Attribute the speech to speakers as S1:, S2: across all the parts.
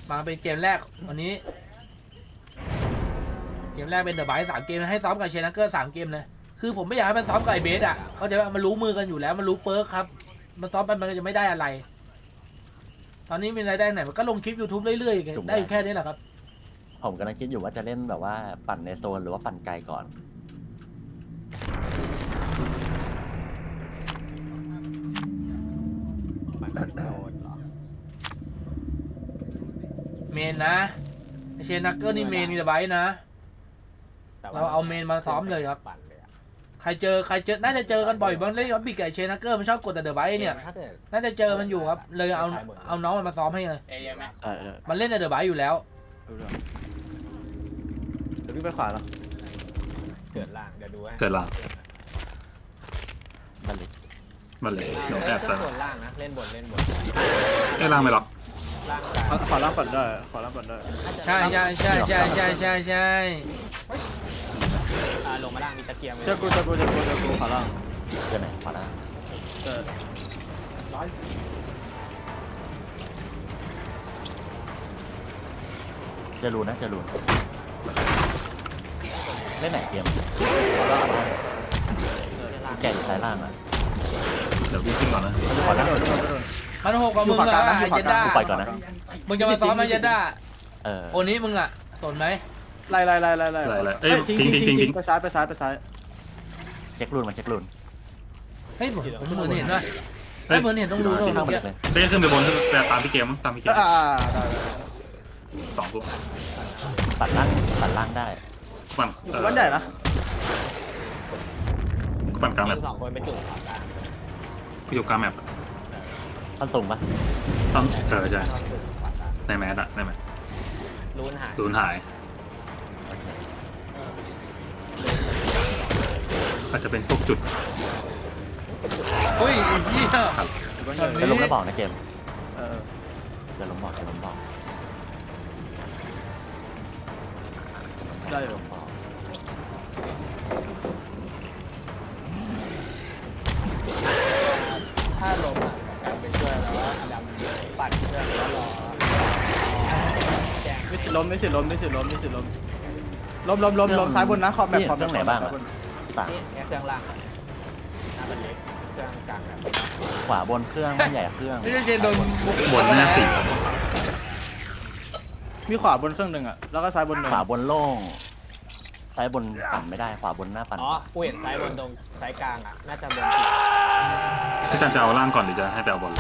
S1: มาเป็นเกมแรกวันนี้เกมแรกเป็นเดอะไบท์3 เกมให้ซ้อมกับเชนักเกอร์3 เกมเลยคือผมไม่อยากให้มันซ้อมกับไอเบสอ่ะเขาจะมันรู้มือกันอยู่แล้วมันรู้เปิร์กครับมันซ้อมไปมันก็จะไม่ได้อะไรตอนนี้มีรายได้ไหนมันก็ลงคลิป YouTube เรื่อยๆได้แค่นี้แหละครับ
S2: ผมกำลังคิดอยู่ว่าจะเล่นแบบว่าปั่นในโซนหรือว่าปั่นไกลก่อน
S3: โซนเหรอ
S1: เมนนะเชนักเกอร์นี่เมนมีเดอะไบท์นะเราเอาเมนมาซ้อมเลยครับใครเจอน่าจะเจอกันบ่อยบางเล่นครับบิ๊กไก่เชนักเกอร์มันชอบกดแต่เดอะไบท์เนี่ยน่าจะเจอมันอยู่ครับเลยเอาน้องมันมาซ้อมให้เลยมันเล่นแต่เดอะไบท์อยู่แล้ว
S4: เดี๋ยวพี่ไปขวาเนาะ
S3: เกิดล่างเดี๋ยวดูให้
S5: เกิดล่าง
S2: บัลลิ
S5: มันเลยเดี๋ยวแอบใส่
S3: ส่วนล่างนะเล่นบน
S5: ไอ้ล่างไม่หรอก
S3: ล่าง
S4: ขวาล่างปั่นได้ขวาล่างปั่นได้
S1: ใช่
S3: ลงมาล่างมีตะเกียง
S4: เจอกูขวาล่าง
S2: เจอไหนขวาล่างจะรูนะจะรูเล่นไหนเกมแก่อยู่สายล่างอ่ะ
S5: เดี๋ยววิ่งขึ้นก่อนนะ
S2: ขวาล่าง
S1: มันหกกับมึงเหรอไอเจด้า
S2: ปล่อยก่อนนะ
S1: มึงจะมาซ้อมไอเจด้าโอนี้มึงอ่ะสนไหม
S4: ไล่
S5: เอ้ยทิ้ง
S4: ไปซ้าย
S2: เช็ครูนมาเช็ครูน
S1: เฮ้ยผมเหมือนเห็นว่าเหมือนเห็นต้องดู
S2: ข้างบนเลย
S5: ไปขึ้นไปบนแต่ตามพี่เกมตามพี่เกม
S4: ได้
S5: 2 ตัว
S2: ปัดล่างได้
S5: ปั่น
S4: ใหญ่นะ
S5: ปั่นกลางแมป
S3: 2 คนไปจุ่มขวากลาง
S5: พี่อยู่กลางแมป
S2: ต้นตุ่มปะ
S5: ต้องใช่ในแมสอะในแมส
S3: รูน
S5: หายอาจจะเป็นพวกจุด
S1: อุ้ยเหี้ย
S2: จะลงแล้วบอกนะเกมจะลงบอก
S4: ได้อยู่
S3: ถ้าลงอ่ะการไปช่วยแล้วว่าอดัมปั่นเครื่องแล้วรอแจ้ง
S4: ไม่สิล้มล้มซ้ายบนนะขอบแบบ
S2: เครื่องไหนบ้างพี่ป่า
S3: แค่เครื่องล่างหน้าเป็นเล็กเครื่องกลาง
S2: ขวาบนเครื่องใหญ่เครื่อง
S1: ไม่ใช่โดน
S5: บนหน้า4
S4: มีขวาบนเครื่องหนึ่งอ่ะแล้วก็ซ้ายบนหนึ่ง
S2: ขวาบนโล่งซ้ายบนปั่นไม่ได้ขวาบนหน้าปั่น
S3: กูเห็นซ้ายบนตรงซ้ายกลางอ่ะน่าจะบน
S5: พี่จันจะเอาล่างก่อนหรือจะให้ไปเอาบน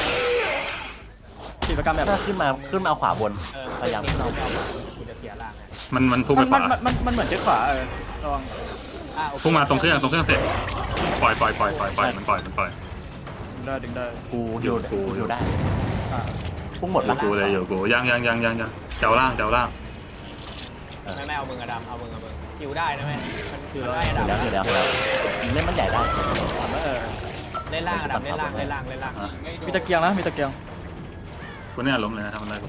S4: กิจกรรมแบบ
S2: ถ้าขึ้นมาเอาขวาบนพยายามขึ้นเอา
S3: กูจะเสียล่าง
S5: มันพุ่งไปขวา
S4: มันเหมือนเจ๊ขวาระวัง
S5: พุ่งมาตรงเครื่องเสร็จปล่อยมันปล่อย
S4: ดึงได้
S2: กูอยู่ได้พุ่งหมด
S5: แล้วกูเลยอยู่กูยังเจ้าล่าง
S3: ไม่เอามึงอะดำเอามึงอยู่ได้นะแม่
S2: อยู่แล้วเล่นมันใหญ่ได้
S3: เล่นล่างอะดำเล่นล่าง
S4: มีตะเกียงนะมีตะเกียง
S5: กูเนี่ยล้มเลยนะทำอะไรกู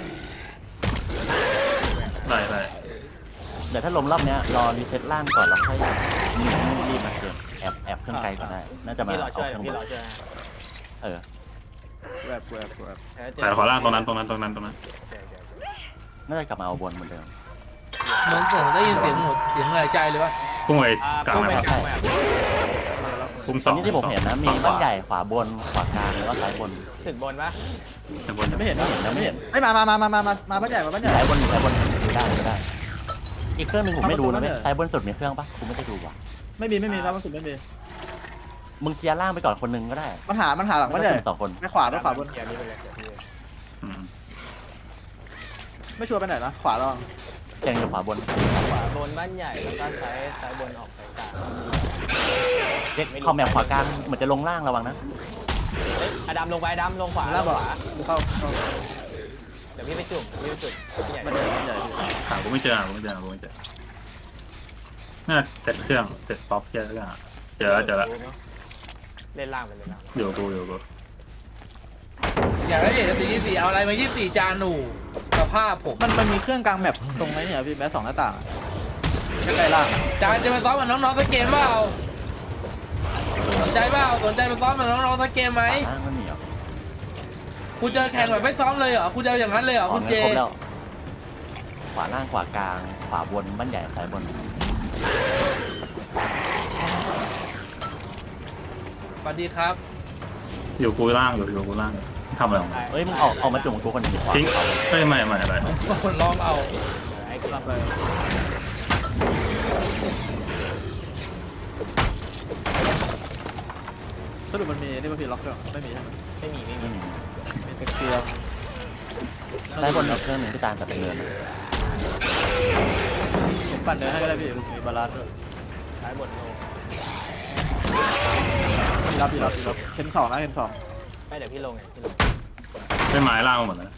S5: ได้
S2: เดี๋ยวถ้าล้มรอบนี้รอรีเซ็ตล่างก่อนแล้วค่อยรีบมาเกินแอบเครื่องไกลก็ได้น่าจะมา
S3: พี่รอช่วย
S4: แวบ
S5: แต่ขอล่างตรงนั้น
S2: น่าจะกลับมาเอาบนเหมือนเดิม
S1: เหมือนผมได้ยินเสียงหายใจเลยวะ
S5: พุ่งไปกลางนะครับพุ่ง2
S2: ที่ผมเห็นนะมีบ้านใหญ่ขวาบนขวากลางแล้วก็ซ้ายบน
S3: ถึงบนปะ
S5: บน
S4: ไม่เห็นไม่มาบ้านใหญ่
S2: ซ้ายบนได้อีกเครื่องนึงผมไม่ดูนะซ้ายบนสุดมีเครื่องปะกูไม่ได้ดูว่ะ
S4: ไม่มีซ้ายบนสุดไม่มี
S2: มึงเคลียร์ล่างไปก่อนคนนึงก็ได้
S4: มันหาหลังบ้านใหญ่
S2: 2 คน
S4: ไม่ขวาบนไม่ชัวร์ไปไหนนะขวาลอง
S2: แกงอยู่ขวาบน
S3: บ้านใหญ่แล้วก็ซ้ายบนออกซ้ายกลาง
S2: เด็กคอมแมปขวากลางเหมือนจะลงล่างระวังนะ
S3: อดัมลงไปดำลงขวา
S4: เข้า
S3: เดี๋ยวพี่ไปจุ่มใหญ่
S5: หากูไม่เจอน่าเสร็จเครื่องเสร็จป๊อปเจอแล้วเ
S3: ล่นล่างไปเลยนะ
S5: อยู่กู
S1: อยากได้เห็น24เอาอะไรมา24จานหนูสภาพผม
S4: มันมีเครื่องกลางแมปตรงไหนเนี่ยพี่แม้2 หน้าต่างใกล้ล่าง
S1: จานจะมาซ้อมกับน้องๆสักเกมเปล่าสนใจมาซ้อมกับน้องๆสักเกมไหมคุณจะแข่งแบบไม่ซ้อมเลยเหรอคุณจะเอาอย่างนั้นเลยเหรอ
S2: อ๋อ
S1: คุณ
S2: งั้
S1: เจ
S2: นครบแล้วขวาล่างขวากลางขวาบนบ้านใหญ่ซ้ายบน
S1: สวัสดีครับ
S5: อยู่กูล่างอยู่กูล่างทำอะไรของมึง
S2: เอ้ยมึงออกมาจุ่มกูคนหนึ่งขวา
S5: ทิ้งเฮ้ยไม่อะไร
S1: คนลองเอา
S3: ไอ้กำลัง
S4: ไปสรุปมันมีนี่มันพี่ล็อกเครื่องไม่มีใช่ไหม
S3: ไม่มี
S2: ไม่มี
S4: มีแต่เกียร์
S2: ซ้ายบนอีกเครื่องหนึ่งที่ตามกับเป็นเนิน
S4: ผมปั่นเดินให้ก็ได้พี่มีบาลานซ์ด้วย
S3: ซ้ายบนโล
S4: รับเห็นสองนะเห็นสอง
S3: ไม่เดี๋ยวพี่ลงไงพี่ลง
S5: ไม่ไม้ล่างหมดแล้ว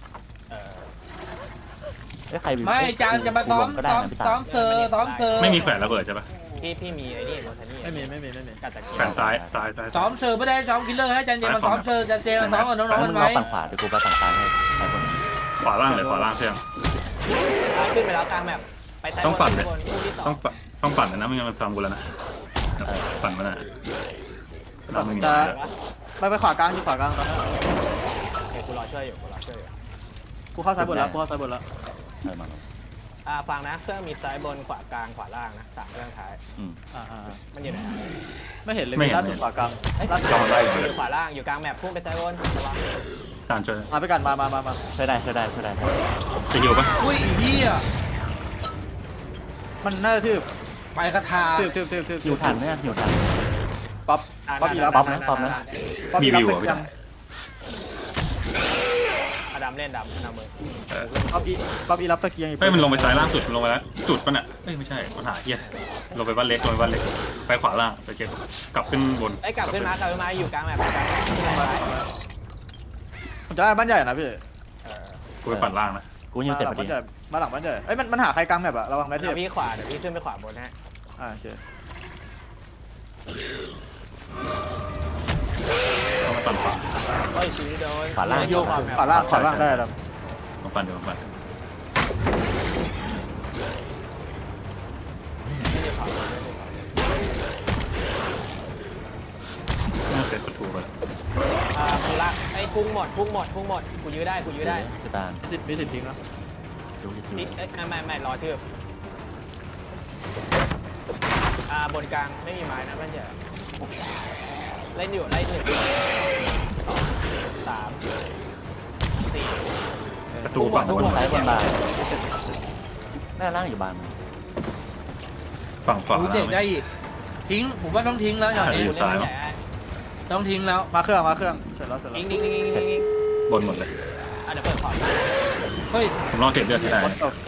S2: เอ้ยใคร
S1: ไม่จานจะมาซ้อม
S2: ก็ได้
S1: ซ้อม
S2: นะพี่ตา
S1: ซ้อมเซอร์ซ้อมเซอร์
S5: ไม่มีแขวนระเบิดใช่ปะ
S3: พี่มีไอ้นี่โรทานี่
S4: ไม่มี
S3: กัดตะเกีย
S5: แขวนซ้าย
S1: ซ้อมเซอร์ไม่ได้ซ้อมคิลเลอร์ให้จันเจมาซ้อมเซอร์จันเจมาซ้อมกับน้องๆ
S2: มึ
S1: กัน
S2: ง
S1: ไหม
S2: รอฝั่งขวาเดี๋ยวกูไปฝั่งซ้ายให้ซ้ายบน
S5: ขวาล่างเลยขวาล่างเครื่อง
S3: ขึ้นไปแล้วกลางแมปไปซ้าย
S5: ต้องปั่นเลย
S3: บนคู่ที่สอ
S5: ต้องปั่นนะไม่งั้นมันซ้ำกูแล้วนะปั่นมาหน่อยเราไม่มี
S4: จะไปขวากลางอยู่ขวากลางตอนนี้
S3: โอเคกูรอช่วยอยู่
S4: กูเข้าซ้ายบนแล้ว
S2: มา
S3: ฟังนะเครื่องมีซ้ายบนขวากลางขวาล่างนะ3เครื่องท้าย
S2: อืม
S3: มันอยู่ไหน
S4: ไม่เห็นเลยมีล่าสุดขวากลาง
S3: ล่าสุด
S5: จอดได้อยู่
S3: อยู่ขวาล่างอยู่กลางแมปพุ่งไปซ้ายบนระวัง
S5: การช่วย
S4: มาไปกันมา
S2: ช่วยได้
S5: จะหิวปะ
S1: อุ้ยอีเหี้ย
S4: มันน่าจะทืบ
S1: ไปกระทา
S2: หิวทันไหมหิวทัน
S4: ป๊อปอีรับ
S2: ป๊อปนะ
S5: มีวิวอ่ะพี่
S3: อดัมเล่นดำนำมือ
S4: ป๊อปอีรับตะเกียง
S5: เฮ้ยมันลงไปซ้ายล่างสุดลงไปแล้วจุดปะเนี่ยเอ้ยไม่ใช่มันหาเหี้ยลงไปบ้านเล็กไปขวาล่างไปเก็บกลับขึ้นบน
S3: ไอ้กลับขึ้นมาอยู่กลางแมปกลาง
S4: ผมจะได้บ้านใหญ่นะพี่
S5: กูไปปั่นล่างนะ
S2: กูยังเจ็บพอดี
S4: มาหลังบ้านใหญ่เอ้ยมันหาใครกลางแบบอะระวังแมทเท
S3: เดี๋
S4: ป
S3: ยวพี่ขวาเดี๋ยวพี่ขึ้นไปขวาบนฮะ
S4: โอเค
S5: ต้องมาปั่นขวา
S3: เฮ้ยชีวิตโดน
S2: ขวาล่าง
S3: โยกขวาแมป
S4: ขวาล่างได้แล้ว
S5: ต้องปั่นเดี๋ยวปั่นน่าเสร็จประตูไปแล้ว
S3: กูละไอ้พุ่งหมดกูยื้อได้
S2: คือตาล
S4: มีสิทธิ์ทิ้งนะ
S2: ดูที่
S3: พี่ไม่รอทืบบนกลางไม่มีไม้นะมันจะเล่นอยู่ไล่1 2 3 4
S5: ประตูฝั่งบน
S2: ซ้ายบนบานหน้าล่างอยู่บาน
S5: ฝั่งขวา
S1: รู้
S5: ล่า
S1: เด็
S5: ง
S1: กได้อีกทิ้งผมว่าต้องทิ้งแล้วอย่างนี้
S5: อยู่ซ้าย
S1: ต้องทิ้งแล้ว
S4: มาเครื่องเสร็จแล้ว
S3: ยิง
S5: บนหมดเลย
S3: เดี๋ยวเปิดขอบ
S1: เฮ้ย
S5: ผมลองเก็บเลือดที่ได้
S4: ตก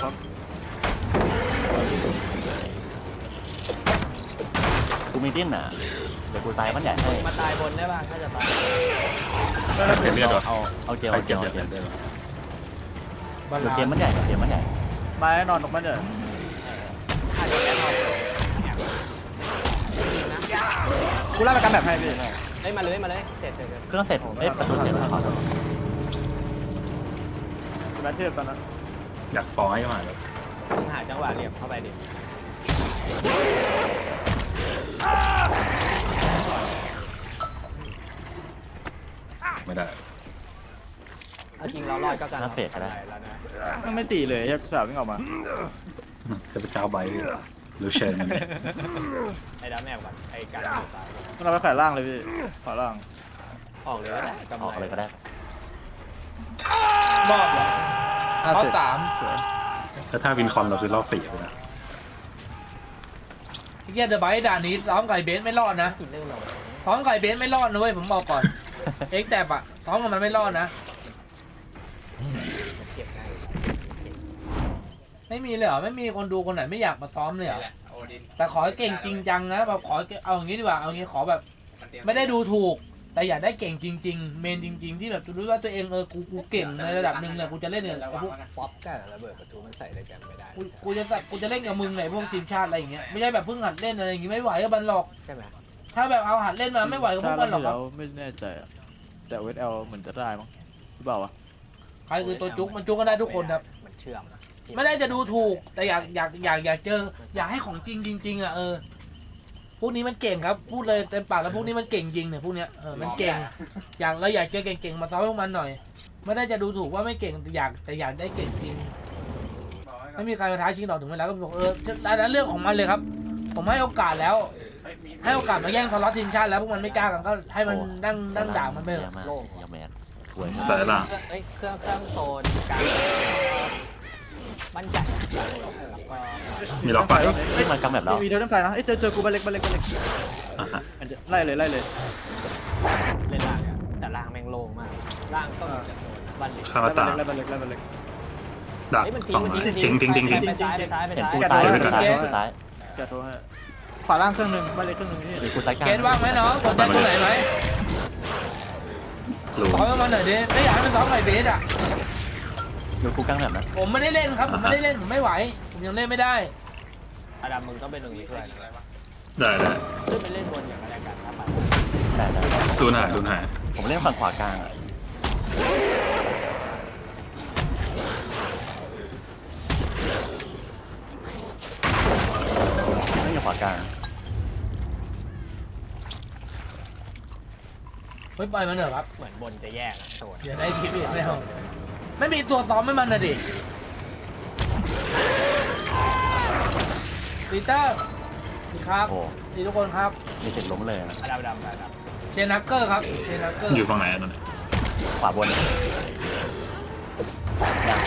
S2: กูมีดิ้นอ่ะเดี๋ยวกูตายบ้านใหญ่ให้
S3: มาตายบนได้ป่ะถ้าจะตาย
S5: เก็บเลือดเหรอ
S2: เอาเจียว
S5: ใคร
S2: เอา
S5: เก็
S2: เจี
S5: บ
S2: ยว
S5: เลือดได้เหรอ
S1: บ้าน
S2: เดี๋ยว
S1: ลา
S2: เกมบ้านใหญ่เกมบ้านใหญ่
S4: ไม้นอนตรงบ้านใหญ่
S3: อาจจะแอบเอานะ
S4: กูไล่ไปกันแบบให้พี่
S3: เฮ้ยมาเลยเสร็จ
S2: เครื่องเสร็จเอ้ยประตูเสร็จแล้วขอ
S4: แมทเทปตอนนั้น
S5: อยากฟ้องให้มาเลย
S3: มึงหาจังหวะเหลี่ยมเข้าไปดิ
S5: ไม่ได้
S3: เอาจริงเราลอยก็กันแล้วนะ
S4: มันไม่ตีเลยแค่สาววิ่งออกมา
S5: จะไปเจ้าใบหรือเชน
S3: ไอ้ดาแมวก่อนไอ้การอยู่ซ้าย
S4: มันเราไปขายล่างเลยพี่ขวาล่าง
S3: ออกเลยก็ได้กำ
S2: ออกเลยก็ได้
S1: รอบเหรอเขาสาม
S5: แต่ถ้าวินคอนเราคือรอบ4ไปนะ
S1: ไอ้เหี้ยเดอะไบท์ด่านนี้ซ้อมไก่เบนซ์ไม่รอดนะ
S3: กินเรื่องเรา
S1: ซ้อมไก่เบนซ์ไม่รอดนะเว้ยผมบอกก่อน เอ็กแตบอะซ้อมกับมันไม่รอดนะ
S3: เก็บได้
S1: ไม่มีเลยเหรอไม่มีคนดูคนไหนไม่อยากมาซ้อมเลยเหรอแต่ขอให้เก่งจริงจังนะแบบขอเอาอย่างนี้ดีกว่าเอาอย่างนี้ขอแบบไม่ได้ดูถูก แต่อยากได้เก่งจริงๆเมนจริง ๆ ที่แบบรู้ว่าตัวเองกูเก่งในระดับหนึ่งเลยกูจะเล่นเนี่ยกับพวก
S3: ป๊อปกับระเบิดประตูมันใส่ด้วยกันไม่ได้
S1: กูจะเล่นกับมึงไงพวกทีมชาติอะไรอย่างเงี้ยไม่ใช่แบบเพิ่งหัดเล่นอะไรอย่างงี้ไม่ไหวกับมันหรอก
S3: ใช่ไหม
S1: ถ้าแบบเอาหัดเล่นมาไม่ไหวกับพวกมันหรอกครับ
S4: ไม่แน่ใจแต่เวทเอลเหมือนจะได้มั้งหรือเปล่าวะ
S1: ใครคือตัวจุกมันจุกกันได้ทุกคนครับ
S3: มันเชื่อม
S1: ไม่ได้จะดูถูกแต่อยากเจออยากให้ของจริงจริงๆอ่ะพวกนี้มันเก่งครับพูดเลยเต็มปากแล้วพวกนี้มันเก่งจริงเนี่ยพวกเนี้ยมันเก่งเราอยากเจอเก่งๆมาซ้อมพวกมันหน่อยไม่ได้จะดูถูกว่าไม่เก่งแต่อยากได้เก่งจริงไม่มีใครมาท้าชิงหรอกถึงเวลาก็บอกอันนั้นเรื่องของมันเลยครับผมให้โอกาสแล้วให้โอกาสมาแย่งสล็อตทีมชาติแล้วพวกมันไม่กล้ากันก็ให้มันนั่งด่ามันไปเถ
S2: เย
S1: อะ
S2: อะมากยาแมนป่วย
S5: สายล่าง
S3: เอ้ยเครื่องโซนกลางบ้านใหญ่แล้วก็
S5: มีล็อกไฟ
S2: ที่มันกำแบบแล้ว
S4: มีโทเทมไฟนะเจอกูบ้านเล็ก
S5: อ่ะฮะ
S4: ไล่เลย
S3: เล่นล่างเนี่ยแต่ล่างแม่งโล่งมากล่างก็มีแต่โซนบ้านเล็ก
S5: คาราตา
S4: ไล่บ้านเล็ก
S5: ดัก
S3: เฮ้ยมัน
S5: สอง
S3: ทิ้ง
S5: ทิ้ง
S3: ไปซ้ายไปซ้ายไป
S2: เห็น
S3: ซ้าย
S2: กูตายกูตาย
S4: แกโทรให้ขวาล่างเครื่องหนึ่งบ้านเล็กเครื่องหนึ่งพี่
S2: มีกูตายกลาง
S1: เกณฑ์ว่างไหมน้องสนใจตัวไหนไหม
S5: รู้
S1: ซ้อมให้มันหน่อยดิไม่อยากให้มันซ้อมไข่เบสอ่ะ
S2: อยู่กูกลางแบบนะ
S1: ผมไม่ได้เล่นครับผมไม่ได้เล่นผมไม่ไหวผมยังเล่นไม่ได้
S3: อาดัมมึงต้องเป็นหนึ่งช่วย
S5: ได้ได้
S3: ขึ้นไปเล่นบนอย่างไรกันครับ
S2: ได้
S5: ดูหน่ายดูหน่าย
S2: ผมเล่นฝั่งขวากลางอ่ะเล่นขวากลาง
S1: ไม่ปล่อยมันเถอะครับ
S3: เหมือนบนจะแยกโซน
S1: อย่าได้คลิปอีกไม่เอาไม่มีตัวซ้อมให้มันนะดิปีเตอร์ดีครับ
S2: โอ้
S1: ดีทุกคนครับ
S2: มีติดล้มเลยนะ
S3: อาดัมอาดัม
S1: เชนนักเกอร์ครับเชนนักเกอร์
S5: อยู่ฝั่งไหนอะตอนนี้
S2: ขวาบนยัง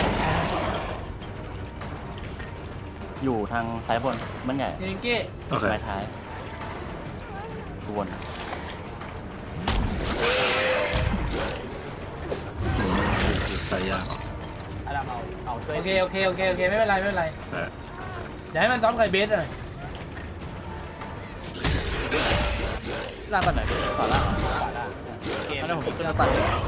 S2: อยู่ทางซ้ายบนมันใหญ่
S1: เนงเก้
S5: โอเค
S2: ไม้ท้ายกูวน
S5: ใส่ยาก
S3: อาดัมเอาช่วย
S1: โอเคไม่เป็นไรไม่เป็นไร
S5: แต่
S1: เดี๋ยวให้มันซ้อมไข่เบสหน่อย
S4: ล่างบ้านไหนขวาล่าง
S3: ขวาล่างเกม
S4: อันนั้นผมขึ้นมาปั่น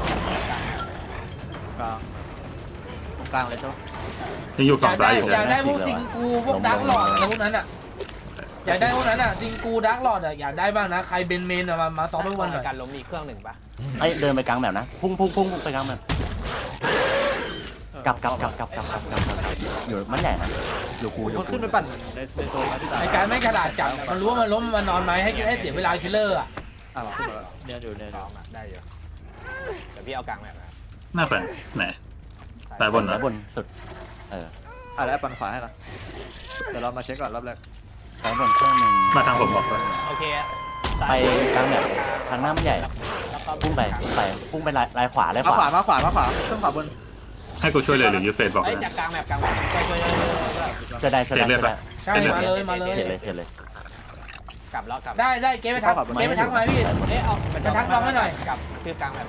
S4: กลางเลยใช่ไหม
S5: ยังอยู่
S1: อ
S5: ฝั่
S1: ยาง ก
S5: ซ้า
S1: ได้
S5: ยอยู่
S1: อยากได้พวกซิงกูพวกดักหลอดอะไรพวกนั้นอ่ะอยากได้พวกนั้นอ่ะซิงกูดักหลอดอ่ะอยากได้บ้างนะใครเบนเมนอะมาซ้อมให้พวกมันหน่อย
S3: การล้มมีเครื่องหนึ่งปะ
S2: ไอ้เดินไปกลางแบบนะพุ่งไปกลางแบบกลับอยู่มันใหญ่นะอยู่กูอยู่
S4: มันขึ้นไปปั่นในโซนนะพี่ตา
S1: ไอการไม่กระดาษจับมันรู้ว่ามันล้มมันนอนไหมให้เสียเวลาคิลเลอร์อ่ะ
S4: ขึ้นมาเนี่ยอยู่เนี่ย
S3: ซ้อมได้อยู่เดี๋ยวพี่เอากลางแบบ
S5: หน้าแฟนไหนสายบน
S2: ซ้า
S5: นะ
S2: ยบนสุด
S4: แล้วปั่นขวาให้ละเดี๋ยวเรามาเช็คก่อนรอบแรก
S2: ซ้ายบนเครื่องหนึ่ง
S5: มาทางผมบอกเลย
S3: โอเค
S2: ไปกลางแบบทางหน้ามันใหญ่พุ่งไปลายขวา
S4: มาขวาเครื่องขวาบน
S5: ให้กูช่วยเลยหรือยูเฟสบอก
S3: เอ้ย
S5: นะ
S3: จากกลางแบบช่วย
S2: จะได้
S1: ใช่มาเลย
S2: เห็นเลย
S3: กลับแล้วกลับ
S1: ได้เกมไปทักมาพี่
S3: เอ๊ะเอากับคือกลางแบบ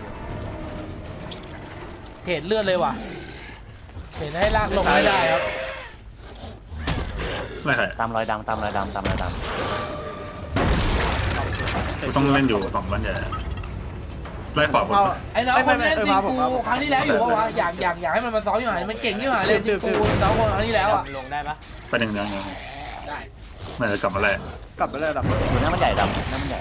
S1: เทรดเลือดเลยว่ะเทรดให้ลากลงไม่ได้ครับ
S5: ไม่ใช่
S2: ตามรอยดำ
S5: กูต้องเล่นอยู่ฝั่งบ้านใหญ่ไล่ขวาบน
S1: ไอ้น้องคนเล่นซิงกูครั้งที่แล้วอยู่ว่าวะอยากให้มันมาซ้อมอยู่ไหนมันเก่งที่ไหนเลยซิงกูน้องคนครั้งที่แล้วอ่ะ
S3: ลงได้ปะ
S5: ไปหนึ่งยังได้ไม่จะกลับมาแรก
S4: กลับไปเลยดับ
S2: อยู่หน้ามันใหญ่ดำหน้ามันใหญ่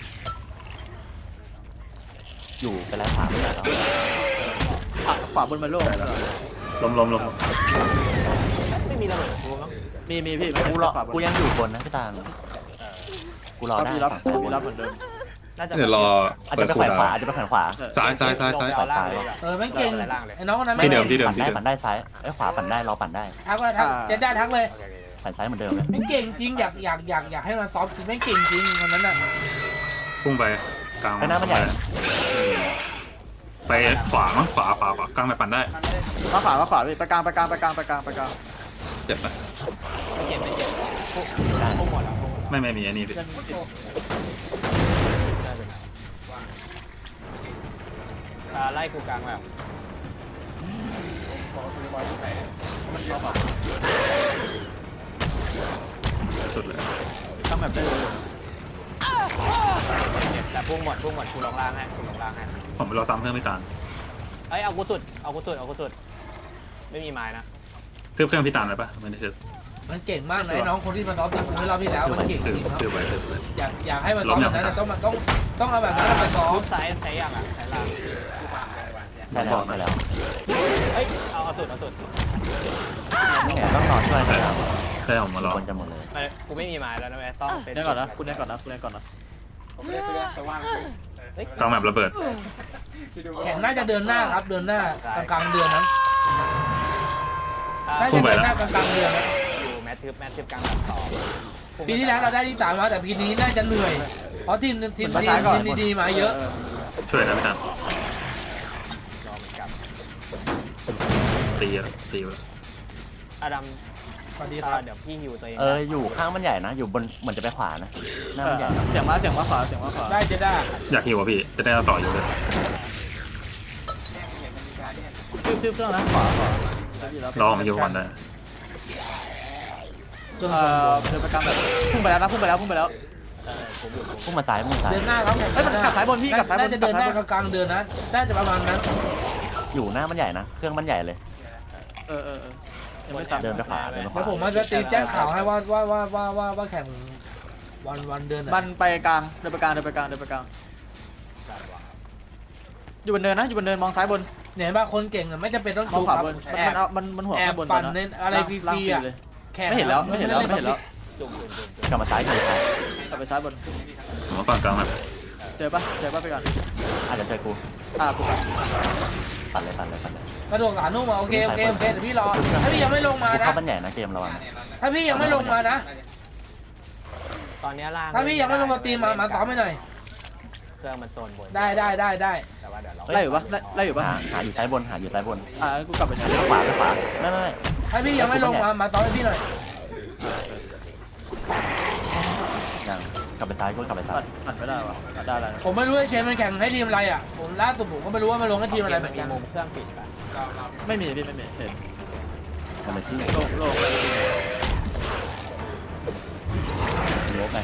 S2: อยู่ไปลายขวาไม่ใหญ่แล้ว
S4: ขวาบนมันโล่ง
S5: ล้ม
S3: ไม่มีระเบิดกูมั้ง
S4: มีพี่
S2: กูยังอยู่บนนะพี่ตาลกูรอได้
S4: มีรับเหมือนเดิม
S3: น่าจะ
S5: เดี๋ยวรอ
S2: อาจ
S5: เปิ
S2: จะ
S5: ด
S2: ไป
S5: คู
S2: แขวน
S5: ดา
S2: ขวาอาจจะไปแขวนขวา
S5: ซ้าย
S1: มันเก่งไอ้น้องคนนั้นไม่
S5: ที่เดิม
S2: ปั่นได้ซ้ายไอ้ขวาปั่นได้รอปั่นได้
S1: ทักเจนได้ทักเลย
S2: ปั่นซ้ายเหมือนเดิมเลย
S1: มันเก่งจริงอยากให้มันซ้อมจริงไม่เก่งจริงคนนั้นอ่ะ
S5: พุ่งไปกลาง
S2: ไปหน้ามันใหญ่
S5: ไปขวามั้งขวากลางไปปั่นได้
S4: มาขวาพี่ไปกลาง
S5: เจ็บไหม
S3: ไม่เจ็บพุ่งหมดแล้ว
S5: ไม่มีอันนี้พี่
S3: ไล่กูกลางแบบ
S5: สุดเลย
S4: ตั้งแบบได้เลย
S3: แต่พุ่งหมดกูลงล่างให้
S5: ผมไปรอซ้ำเพิ่มไม่ตาน
S3: เอ้ยเอากูสุดไม่มีไม้นะ
S5: เทียบเครื่องพี่ตานเลยปะไม่ได้เทียบ
S1: มันเก่งมากนะไอ้น้องคนที่มาซ้อมซิงกูรอบที่แล้วมันเก่งจริงครับ
S5: เทียบไป
S1: อยากให้มันซ้อมแบบนั้นต้องเอาแบบนั้นมาซ้อม
S3: ซ้ายยังอ่ะซ้ายล่าง
S2: ใช่แล้วใช่แล้ว
S3: เฮ้ยเอาสุด
S2: นี่ไงต้องนอนช่วยกันครับ
S5: ใช่ผมมารอ
S2: คนจะหมดเลย
S3: กูไม่มีไม้แล้วนะแม่ต้องเป็น
S4: เล่นก่อนนะคุณเล่นก่อนนะคุณเล่นก่อนนะ
S3: ผมไม่ได้ซื้อแต่ว่าง
S5: กลางแบบระเบิด
S1: แข่งน่าจะเดินหน้าครับเดินหน้ากลางๆเดือนนั้นน่า
S5: พุ่
S1: จะ
S5: งไป
S1: เดิน
S5: แล้ว
S1: หน้ากลางๆเดือนนะ
S3: อยู่แมททึบกลางแบบสอง
S1: ปีที่แล้วเราได้ที่3มาแต่ปีนี้น่าจะเหนื่อยเพราะทีมดีๆมาเยอะ
S5: ช่วยนะพี่ตัน
S3: รอเหมือนกัน
S5: ตีแล้วตีแล้ว
S3: อดัม
S1: สวัสดีครับ
S3: เดี๋ยวพี่หิวตัวเอง
S2: อยู่ข้างมันใหญ่นะอยู่บนเหมือนจะไปขวานะหน้ามันใหญ่
S4: เสียงมาขวา
S1: ได้จะได้
S5: อยากหิวอ่ะพี่จะได้เอาต่ออยู่เลย
S4: ทืบเครื่องนะขวาร
S5: อผมหิวก่อนได้
S1: เครื่อง
S4: เดินไปกลางแบบพุ่งไปแล้ว
S3: ผมอยู่
S2: พุ่งมาซ้ายพุ่งมาซ้าย
S1: เดินหน้าครับ
S4: เฮ้ยมันกลับสายบนพี่กลับสายบน
S1: น่าจะเดินหน้ากลางๆเดือนนะน่าจะประมาณนั้น
S2: อยู่หน้ามันใหญ่นะเครื่องมันใหญ่เลย
S4: ยังไม่ซ้ำ
S2: เดินไปขวาเดินไปข
S1: แล้ว
S2: วา
S1: ผมมาจะตีแจ้งข่าวให้ว่าแข่งวันเดือน
S4: มันไปกลางเดินไปกลางอยู่บนเนินนะอยู่บนเนินมองซ้ายบน
S1: เนี่ยว่าคนเก่งไม่จำเป็นต้อง
S4: มอง
S1: ดู
S4: ขวา
S1: ครับ
S4: บน
S1: แอบ
S4: มันหัว
S1: แอบ
S4: บน
S1: ปั่นในอะไรฟรีๆอ่ะ แข่ง
S4: ไม่เห็นแล้ว
S3: จุ่ม
S2: กลับมาซ้ายกลับมาซ้าย
S4: กลับไปซ้ายบน
S5: ผมว่าฝั่งกลางแบบ
S4: เจอปะไปก่อน
S2: เดี๋ยวช่วยกู
S4: กูไป
S2: ปั่นเลย
S1: กระโดดขานุ่มโอเคเดี๋ยวพี่รอถ้าพี่ยังไม่ลงมา
S2: กู
S1: นะ
S2: เข้ามันใหญ่นะเกมระวัง
S1: ถ้าพี่ยังไม่ลงมานะ
S3: ตอนนี้ล่าง
S1: ถ้าพี่ยังไม่ลงมาตีมาซ้อมให้หน่อย
S3: เครื่องมันโซนบน
S1: ได้
S3: แต่ว่าเดี๋ยวเรา
S4: ไล่อยู่ปะไล่อยู่ปะ
S2: หาอยู่ซ้ายบน
S4: กูกลับไปไหน
S2: ขวาไม่
S1: ถ้าพี่ยังไม่ลงมาซ้อมให้พี่หน่อย
S2: ยังกลับไปซ้ายกูกลับไปซ้าย
S4: ปั่นไม่ได้วะได้แล้ว
S1: ผมไม่รู้ไอ้เชนมันแข่งให้ทีมอะไรอ่ะผมล่าสุดผมก็ไม่รู้ว่ามันลงให้ทีมอะไรเหมือน
S3: มี
S1: กัน
S3: มุมเครื่องปิดป่ะ
S4: ไม่มีพี่ไม่มีเห็น
S2: กันเลยที่
S4: โลก
S2: เยอะไป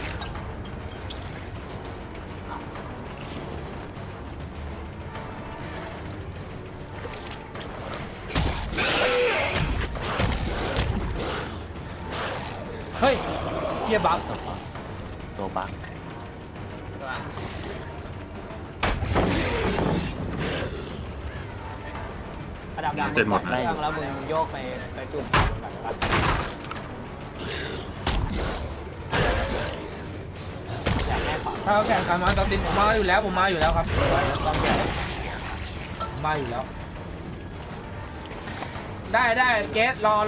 S1: เฮ้ยเกียร์บัฟ
S2: ตัวบัก
S3: อดัมเครื่องแล้วมึงโยกไปจุ่มก่อนนะครับอยากให้ขอ
S1: ถ้าเขาแข่งกันมาตอนตินผมมาอยู่แล้วครับต้องแข่งมาอยู่แล้วได้เกสรอ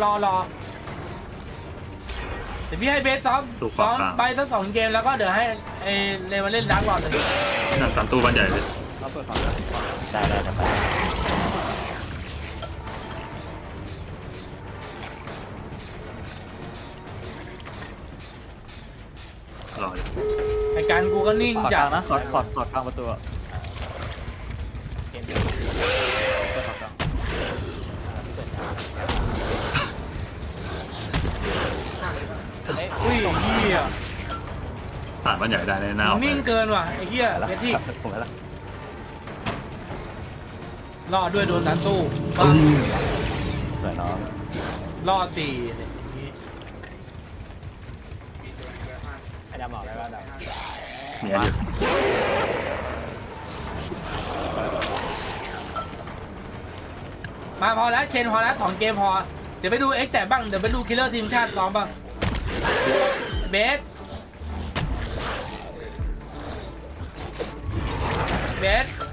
S1: เดี๋ยวพี่ให้เบสซ้อมไปสัก2 เกมแล้วก็เดี๋ยวให้เลมาเล่นดักรอหนึ่ง
S5: นั่นตามตู้บ้านใหญ่เลย
S4: เราเปิดฝั่ง
S2: ได้จะไป
S5: รออยู่
S1: ไอ้การกูก็นิ่ง
S4: ขอดก
S1: จั
S4: ลา
S1: ด
S4: งนะขอดกลางประตู
S3: เกม
S4: เปิดฝั่งกลาง
S1: อุ้ยเหี้ย
S5: ผ่านบ้านใหญ่ได้ในหน้าออก
S1: นิ่งเกินว่ะไอ้เหี้ยเบสที่
S2: ผมแล้ว
S1: รอดด้วยโดนดันตู้บ้า
S2: สวยน้อง
S1: รอด4เนี่ย
S3: อดัมบอกเลยว่าอดัม
S5: เนี่ยอยู่
S1: มาพอแล้วเชนพอแล้ว2 เกมพอเดี๋ยวไปดูเอ็กแต่บ้างเดี๋ยวไปดูคิลเลอร์ทีมชาติซ้อมบ้างเบส